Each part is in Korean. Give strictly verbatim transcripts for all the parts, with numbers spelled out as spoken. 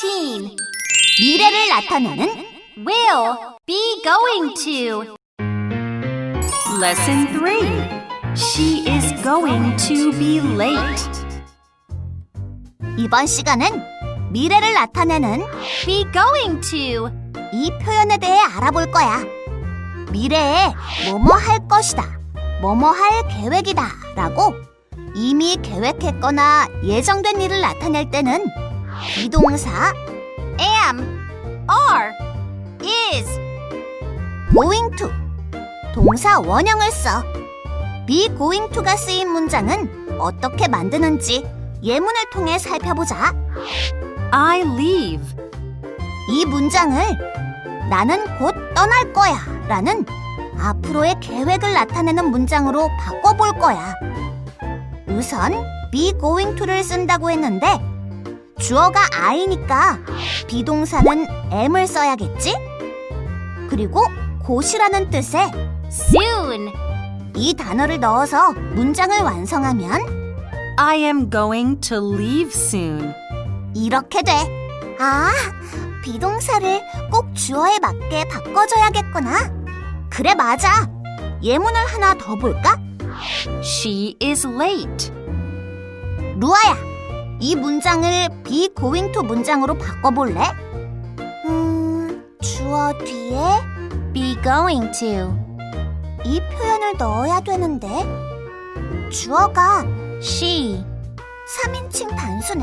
fourteen. 미래를 나타내는 will be going to. Lesson three. She is going to be late. 이번 시간은 미래를 나타내는 be going to 이 표현에 대해 알아볼 거야. 미래에 뭐뭐 할 것이다, 뭐뭐 할 계획이다 라고 이미 계획했거나 예정된 일을 나타낼 때는 비동사 am, are, is, going to 동사 원형을 써. be going to가 쓰인 문장은 어떻게 만드는지 예문을 통해 살펴보자. I leave. 이 문장을 나는 곧 떠날 거야 라는 앞으로의 계획을 나타내는 문장으로 바꿔볼 거야. 우선 be going to를 쓴다고 했는데 주어가 I니까 비동사는 am을 써야겠지? 그리고 곧이라는 뜻의 soon 이 단어를 넣어서 문장을 완성하면 I am going to leave soon. 이렇게 돼. 아, 비동사를 꼭 주어에 맞게 바꿔줘야겠구나. 그래, 맞아. 예문을 하나 더 볼까? She is late. 루아야, 이 문장을 be going to 문장으로 바꿔볼래? 음, 주어 뒤에 be going to 이 표현을 넣어야 되는데 주어가 she 삼인칭 단수네?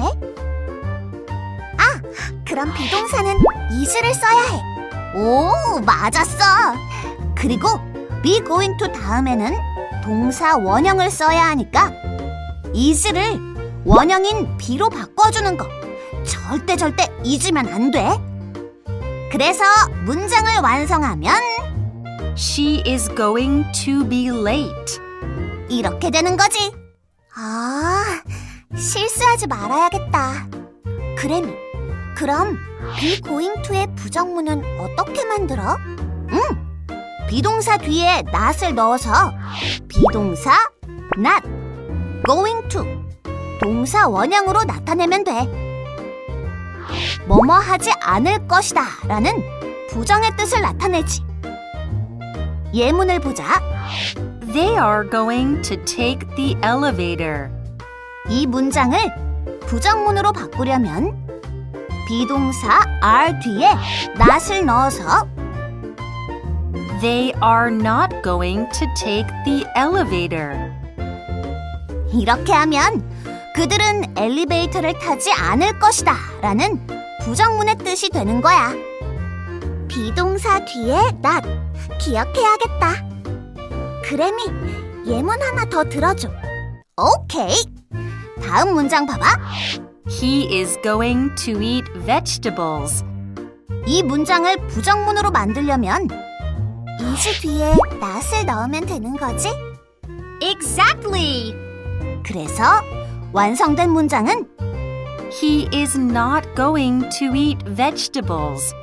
아, 그럼 비동사는 is를 써야 해. 오, 맞았어. 그리고 be going to 다음에는 동사 원형을 써야 하니까 is를 원형인 be로 바꿔주는 거 절대 절대 잊으면 안 돼. 그래서 문장을 완성하면 She is going to be late. 이렇게 되는 거지. 아, 실수하지 말아야겠다. 그래미, 그럼 be going to의 부정문은 어떻게 만들어? 응, 비동사 뒤에 not을 넣어서 비동사 not, going to 동사 원형으로 나타내면 돼. 뭐뭐 하지 않을 것이다 라는 부정의 뜻을 나타내지. 예문을 보자. They are going to take the elevator. 이 문장을 부정문으로 바꾸려면 비동사 are 뒤에 not을 넣어서 They are not going to take the elevator. 이렇게 하면 그들은 엘리베이터를 타지 않을 것이다 라는 부정문의 뜻이 되는 거야. 비동사 뒤에 not 기억해야겠다. 그래미, 예문 하나 더 들어줘. 오케이. 다음 문장 봐봐. He is going to eat vegetables. 이 문장을 부정문으로 만들려면 is 뒤에 not을 넣으면 되는 거지? Exactly. 그래서 완성된 문장은 He is not going to eat vegetables.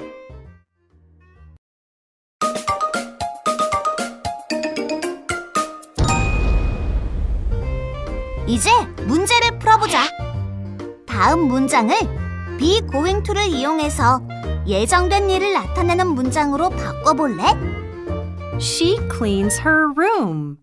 이제 문제를 풀어보자. 다음 문장을 be going to를 이용해서 예정된 일을 나타내는 문장으로 바꿔볼래? She cleans her room.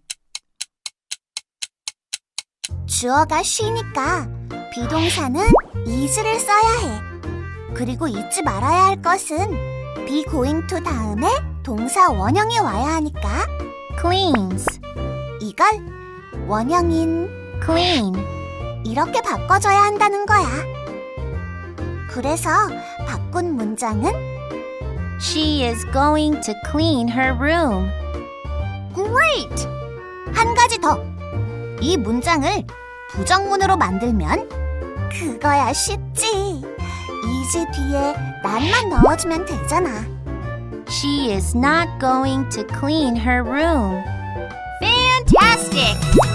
주어가 she니까 비동사는 is를 써야 해. 그리고 잊지 말아야 할 것은 be going to 다음에 동사 원형이 와야 하니까 cleans 이걸 원형인 clean 이렇게 바꿔줘야 한다는 거야. 그래서 바꾼 문장은 She is going to clean her room. Great! 한 가지 더. 이 문장을 부정문으로 만들면 그거야 쉽지. is 뒤에 not만 넣어주면 되잖아. She is not going to clean her room. Fantastic!